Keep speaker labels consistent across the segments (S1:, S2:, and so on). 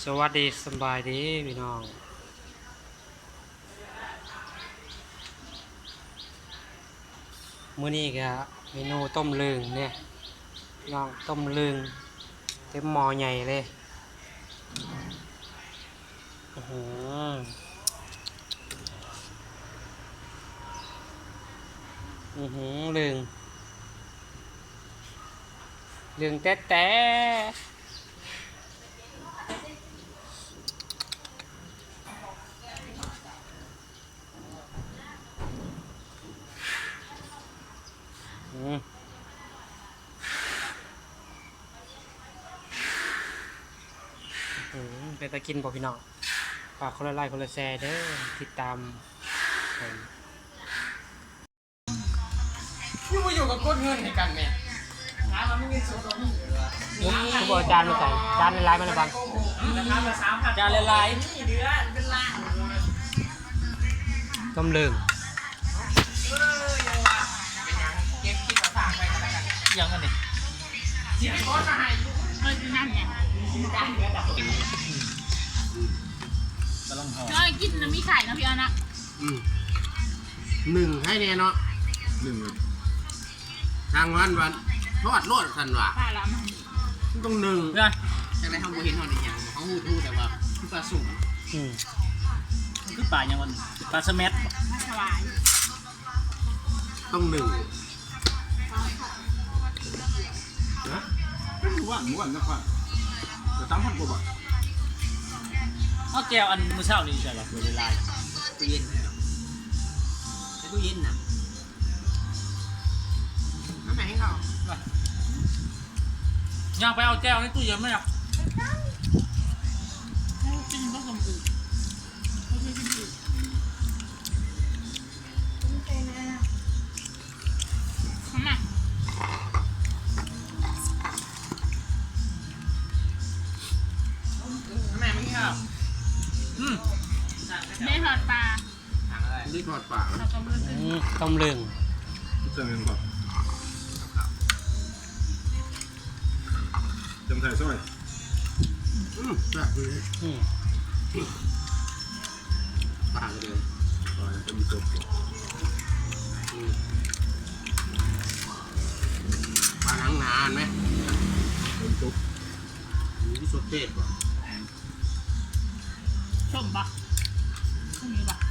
S1: สวัสดีสบายดีพี่น้องมื้อนี้ก็เมนูต้มลึงเนี่ยน้องต้มลึงเต็มหม้อใหญ่เลยอื้อหือลึงแต๊ะเป็นตะกินบ่พี่น้องฝากคนละไลค์คนละแชร์เด้อติดตาม
S2: พี่มาอยู่กับกดเงินให้กันแม่หามาไม่เงินสดหรอกนี่
S1: ทุกอาจารย์มาใส่จานในไลน์มันบัง
S2: ราคาละ3,000จานละลายนี่เดือนเป็นล้าน
S1: ต้มลึง
S2: ยังว่าเป็นยังเก็บคิดว่าฝากไปกันแล้วกันยังอันนี้สิขอมาให้ไม่นั่นไงกำลังหอมก็กินน้ำมีไข่นะพี่อันนะ
S3: หนึ่งให้แน่เนาะหนึ่งทางวันทอดโลดสันว่ะ
S2: ปลาละ
S3: มันต้องหนึ่งจากนั้นเขาบ่เห็นเขาได้ยังเขาหูแต่ว่าคือปลาสุ่ม
S2: มันคือปลาอย่างวันปลาสแมัดถวาย
S3: ต้องหนึ่ง
S4: นะหมู่บ้านนะครับแต่3,000 กว่าบาท
S2: เอาแก้วอันมื้อเช้านี่ใช่ป่ะเวลา
S3: ตู้เย็นใช้ตู้เย็นนะน้ำไหนให้เขา
S2: ย่างไปเอาแก้วในตู้เย็นไหมอ่ะกินผสมอื่นแม่ไม่ชอบไม่ทอดปลา
S3: ทางอะไรนี่ทอดปลา
S1: ต้มลึง
S4: เส้นเงินครับจำไทยซอย
S3: แบบนี้ปลาเลย
S4: ปลาจะมีตัว
S3: ปลาหนังนานไหม
S4: เป็นตุ๊ก
S3: มีที่สดเทศป่ะ
S2: ส้มปะส้มนี้ปะ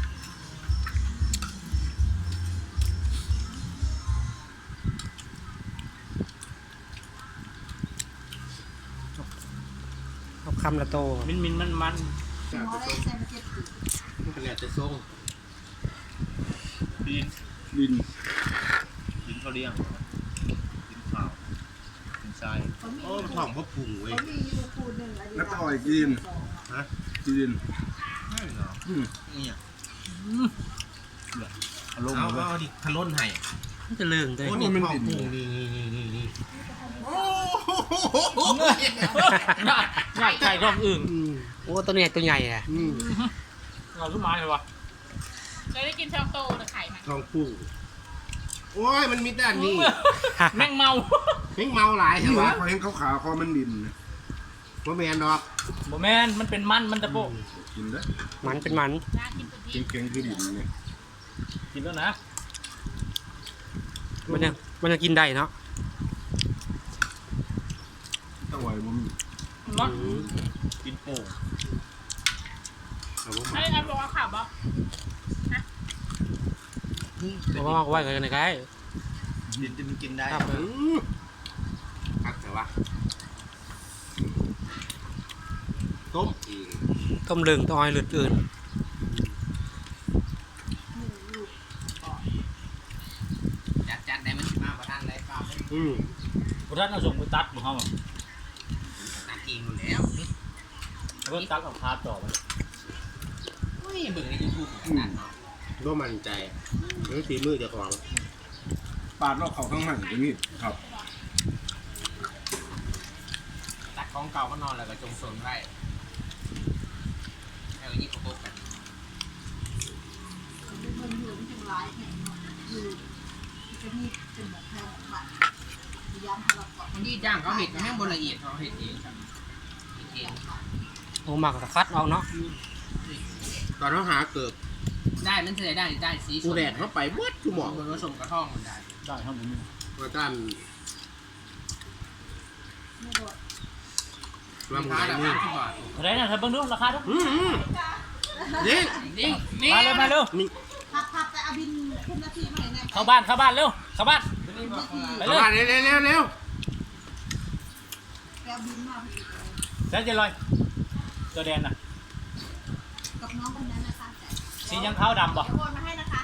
S1: คำละโต
S2: มัน
S3: มันขนาดจะส่ง
S4: ดิน
S2: เขาเลี้ยงกินข้าวกินทราย
S3: โอ้ท้องพ่อปุ่งเว้ย
S4: แล้วก็อีกดินดิน
S3: นี่
S2: เอา
S3: ดิทะล้นให้
S1: มันจะลึงตัว
S3: นี้ท้องปุ่งนี่โอ้
S2: ง่ายไก่ท้องอื่น
S1: โอ้ตัวนี้ตัวใหญ่อ่ะ
S2: เราขึ้นมาเลยวะเราได้กินท้องโตหรือไข่ไหม
S3: ท้องปุ่งโอ้ยมันมีด้านนี้
S2: แม่งเมา
S3: หลายใช่ไหม
S4: พอเห็นขาวๆคอมันดิน
S3: บ่แมนดอก
S2: บ่แมนมันเป็นมันตะโป
S4: กินได้
S1: มันเป็นมัน
S4: เก่งคือดินเนี่ย
S2: กินแล้วนะ
S1: มันจะกินได้เนาะ
S4: ต้องไหวบ่มี
S2: ร้อนกินโป่งไอ้บอกว่าขับบ่
S1: เพราะว่าไว้กันไง
S3: ดินจะมันกินได้แต่ว่า
S1: ต้มลึงต้องให้หลุดอื่น
S3: จัดได้มันมาประทานอะไรเปล่า
S2: ประทานเอาส่งไปตัดของเขา
S3: ตัดเองหมดแล้ว
S2: เพิ่มตัดของพาร์ทต่อไป
S3: เบิ่งในยูทูบขนาดนั้นก็มั่นใจเรื่องฝีมือเจ้าของ
S4: ปาดรอบเขาทั้งหันอย่างนี้ครับ
S3: ตัดของเก่าก็นอนแล้วก็จงสนไว้ให้วันนี้เขาโต๊ะกันมันดีจ้างเขาเห็ดมันแห้งบนละเอียดเขาเห็ดเองครับเห็ดเอง
S1: โอ้หมักกับคัดเอาเนาะ
S3: ตอนเขาหาเกิด
S2: ได้มันจะได้สี
S3: กูแดดเข้าไปบดกูหมอง
S2: ผสมกระท่องมันได้
S4: ได้ครับผม
S3: ว่าด้านว่ามึง
S2: รา
S3: ไหน
S2: คา
S3: นี่
S2: 30 บาท
S4: อะไรนะเธอเบิ่งดูราคาดู
S3: นี่
S2: นี่
S4: มาเร็วมาเร็ว
S3: นี่
S5: พับแต่อาบินขึ้นนาทีมาไหนเนี่ย
S4: เข้าบ้านเร็วเข้าบ้านไป
S3: เข้า
S4: เลย
S3: มาเร็วเร็วเร็ว
S5: แกบินมา
S4: แล้วจะลอยตัวแดนน่ะ
S5: กับน้องคนนั้นนะคะแต่
S4: สียังขาวดำบ่
S5: เดี๋ยวโอนมาให้นะคะ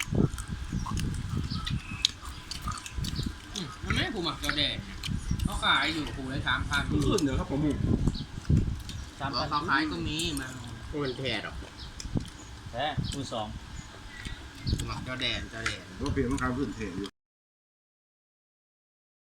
S2: มันไม่ผูหมักกระแดดเขาขายอยู่ผูเลย3,000
S4: ขึ้นเดี๋ยวครับผม
S2: เขาขายก็มีมา
S3: มันแท้หรอก
S4: แท้คูณ2
S3: หมักเจ้าแดน
S4: ก็เปลี่ยนมันคำพื้นเทอยู่